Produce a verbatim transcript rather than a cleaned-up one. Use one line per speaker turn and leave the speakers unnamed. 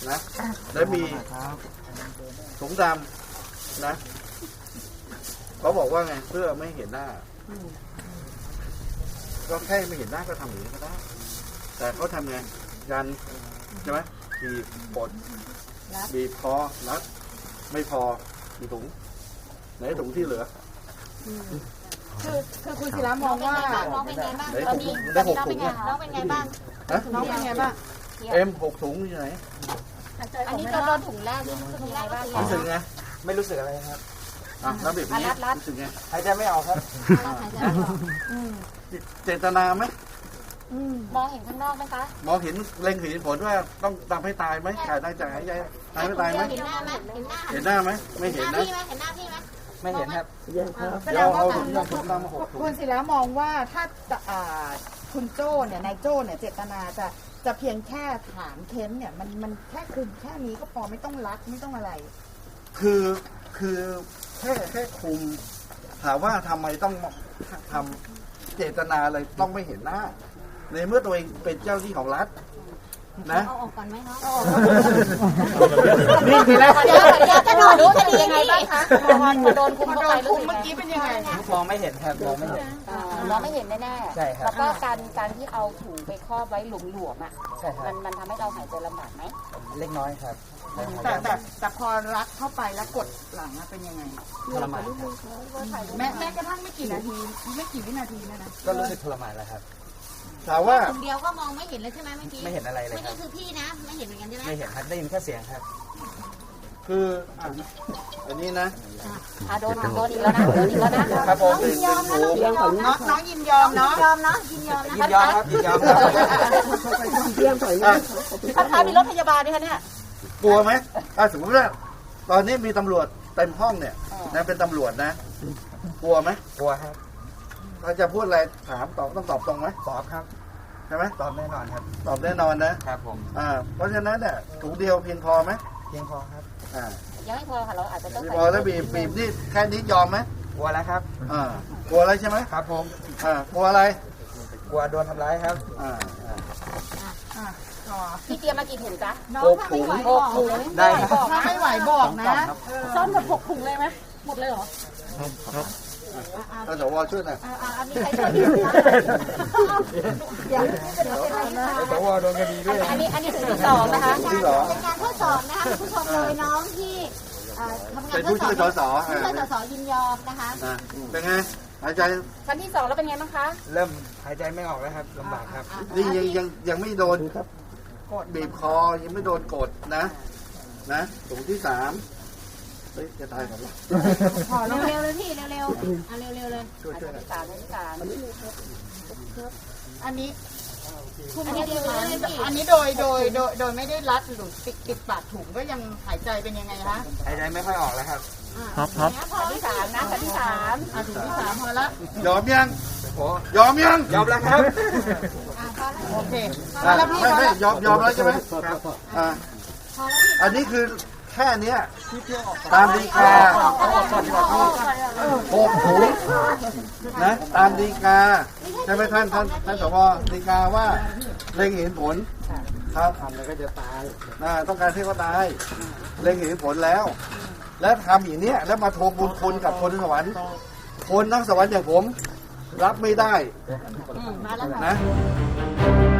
นะแล้วมีถุงดำนะเขาบอกว่าไงเพื่อไม่เห็นหน้าก็แค่ไม่เห็นหน้าก็ทำอย่างนี้ก็ได้แต่เขาทำไงยันใช่ไหมบีบปดบีบคอรัดไม่พอมีถุงไหนถุงที่เหลือ
คือคือคุณศิระมองว่า
น้องเป็นไงบ้าง
ตอนนี้ได้หกถุงเนี่ย
น้องเป็นไงบ้าง
น้องเป็นไงบ้าง
เอ็มหกถุงอยู่ไหน
อันนี้ก็โดนถุงแรกนี่รู้สึกยังไงบ้าง
รู้สึกไง
ไม่รู้สึกอะไรครับ
อ่ะแล้วแบบนี้รู้สึกไง
หายใจไม่ออกครับ
เจตนาไหม
มองเห็นข้างนอกไหมคะ
มองเห็นเล็งเห็นผลว่าต้องทำให้ตายไหมขาดได้จากหายใจตายไม่ตายไหม
เห็นหน้าไหม
เห็นหน้าไหมไม่เห็นนะ
เห็นหน้าพี่ไหม
ไม่เห็นครับ
แสดงว่าคุณศิระมองว่าถ้าคุณโจ้เนี่ยนายโจ้เนี่ยเจตนาจะจะเพียงแค่ถามเค้นเนี่ยมันมันแค่คุมแค่นี้ก็พอไม่ต้องรักไม่ต้องอะไร
คือคือแค่แค่คุมถามว่าทำไมต้องทำเจตนาอะไรต้องไม่เห็นหน้าในเมื่อตัวเองเป็นเจ้าที่ของรัฐนะ
เอาออกก่อนไหมคะ
นี่คือแล้ว
จะโดนรู้คดียังไงบ้างคะพอโดนคุมเข้าไปรู้
เมื่อกี้เป็นยังไง
มองไม่เห็นครับมองไม่เห็น
มองไม่เห็นแน่ๆ
ใช่ครับ
แล้วก็การการที่เอาถุงไปครอบไว้หลวมๆอ่ะ
ใช่ครับ
มันมันทำให้เราหายใจลำบากไหม
เล็กน้อยครับ
แต่แต่แต่พอรัดเข้าไปแล้วกดหลังเป็นยังไง
ทรมาน
แม้แม้กระทั่งไม่กี่นาทีไม่กี่วินาทีนะนะ
ก็รู้สึกทรมานแล้วครับ
ถามว่า
คนเดียวก็มองไม่เห็นเลยใช่ไหมเมื่อกี้
ไม่เห็นอะไรเลย
ครับไม่ใช่คือพี่นะไม่เห็นเหมือนกันใช่ไหม
ไม่เห็นครับได้ยินแค่เสียงครับ
คืออันนี้นะ
อ่ะโดนโดนอีกแล้วนะโดนอีกแล้วนะครับ
ผม
ยินยอมนะน้องยินยอม
น้องน้องยินยอมเนาะ
ยอมเนาะยินยอมนะ
ยินยอมครับยินยอมครับ
ท่านคะมีรถพยาบาลด้วยคะเนี่ย
กลัวไหมถ้าสมมติว่าตอนนี้มีตำรวจเต็มห้องเนี่ยนะเป็นตำรวจนะกลัวไหม
กลัวครับ
เราจะพูดอะไรถามตอบต้องตอบตรงไหม
ตอบครับ
ใช่ไหม
ตอบแน่นอนครับ
ตอบแน่นอนนะครับ
ผม
อ่าเพราะฉะนั้นเนี่ยถุงเดียวเพียงพอไหม
เพียงพอครับ
อ่า
ยังไม่พอค่ะเราอาจจะต้อง
พอแล้วบีบบีบนี่แค่นี้ยอมไหม
กลัวแล้วครับ
อ่ากลัวอะไรใช่ไหม
ครับผม
อ่ากลัวอะไร
กลัวโดนทำร้ายครับ
อ่า
อ่า
พี่เตรียมมากี่ถุงจ๊ะ
หกถุง
หกถุง
ได้
ถ้าไม่ไหวบอกนะ
ซ้อมกับหกถุงเลยไหมหมดเลยเหรอ
ครับท่านสวช่วยหน่อย
อันนี้ใครช่วยดีคะ
สวโดนคดีด้วย
อันนี้อันนี้ถุงที่สองนะคะ
ที่สอง
เป็นการทดสอบนะคะผู้ชมเลยน้องที่ทำงาน
เป็นผู้ช่วยสส
ผู้ช่วยสสยินยอมนะคะ
เป็นไงหายใจ
ชั้นที่สองแล้วเป็นไงบ้างคะ
เริ่มหายใจไม่ออกแล้วครับลำบากครับ
นี่ยังยังยังไม่โดนกดบีบคอยังไม่โดนกดนะนะถุงที่สามเฮ้ยจะตายกับเรา
พอเร็วๆเลยพี่เร็วๆอ่ะเร็วๆเลย
ช่วยช่วย
ที่สามที่สาม
อันนี้
อันนี้
อันนี้โดยโดยโดยโดยไม่ได้รัดหรือติดติดปากถุงก็ยังหายใจเป็นยังไงคะ
หายใจไม่ค่อยออกแล้วครับ
ครับครับ
ชั้นที่สามนะชั้นที่สาม
อ่ะถุงที่สามพอละ
ยอมยังยอมยัง
ยอมแล้วครับ
โอเค
ไม่ไม่ยอมยอมแล้วใช่ไหมอ่าอันนี้คือแค่นี้ตามดีกาหกถุงนะตามดีกาใช่ไหมท่านท่านท่านสวดีกาว่าเล็งเห็นผลครับทำอะไรก็จะตายนะต้องการให้เขาตายเล็งเห็นผลแล้วและทำอย่างนี้แล้วมาทวงบุญคุณกับคนสวรรค์คนทั้งสวรรค์อย่างผมรับไม่ได้นะ